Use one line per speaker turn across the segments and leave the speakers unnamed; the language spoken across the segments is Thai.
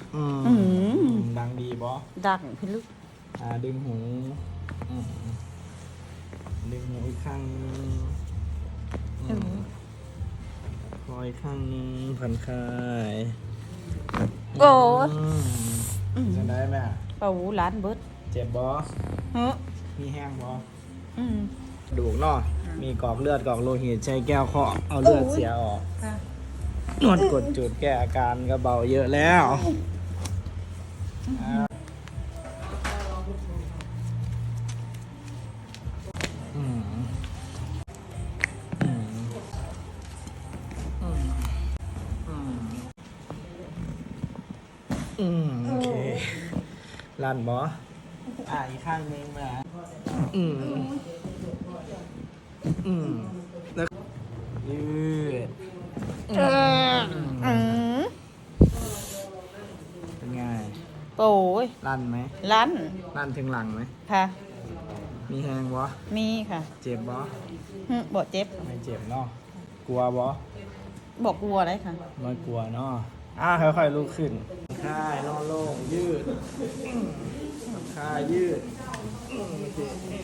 ดังดีบอ
ดังพี่ลูก
ดึงหูดึงหูอีกข้างคอยข้างผ่อนคลาย
โอ้
จะได้ไหม
เป่าล้านเบิด
เจ็บบอมีแห้งบอดูกเนาะมีกอกเลือดกอกโลหิตใช้แก้วเคาะเอาเลือดเสียออกนวดกดจุดแก้อาการก็เบาเยอะแล้วโอเคลั่นบออีกข้างนึงมาแล้วยืดเป็นไง
โอ้ย
ลั่นไหมลั่นถึงหลังไหม
ค่ะ
มีแหงบอ
มีค่ะ
เจ็บบอ
บ่เจ็บ
ไม่เจ็บเนาะกลัวบอ
บอกกลัวได้ค่ะ
ไม่กลัวเนาะค่อยๆลุกขึ้นค่ายนอนโล่งยืดค่ายยืดโอเค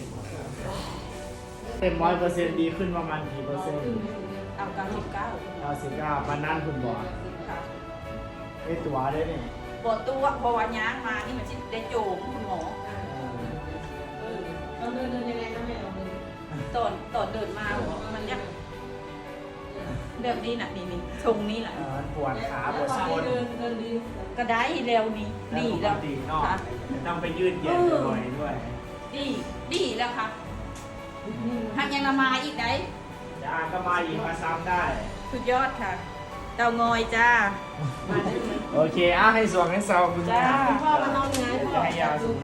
เต็ม100%ดีขึ้นประมาณกี่เปอร์เซ็นต์
เอา
99มันนั่นคุณบอกไอตัวได้เนี่ย
ปวดตัวพอวันย้างมานี่มันจะได้โจมคุณหมอเราเดินยังไงนะแม่เราเดินตอนเดินมามันยังแบบนี้น่ะนี่ทรงนี้แหละ
ปวดขาปวดส้น
ก็ได้เร็วนี่ดีแล้ว
ค่ะต้องไปยืดเย็นบ่อยด้วย
ดีแล้วค่ะหากยังมาอีกได้
จะก็มาอีกมาซ้ำได้
สุดยอดค่ะเตางอยจ้า
โอเคให้สวงให้เศร้าคุณ
จ้าพ่อมานอนเหนือ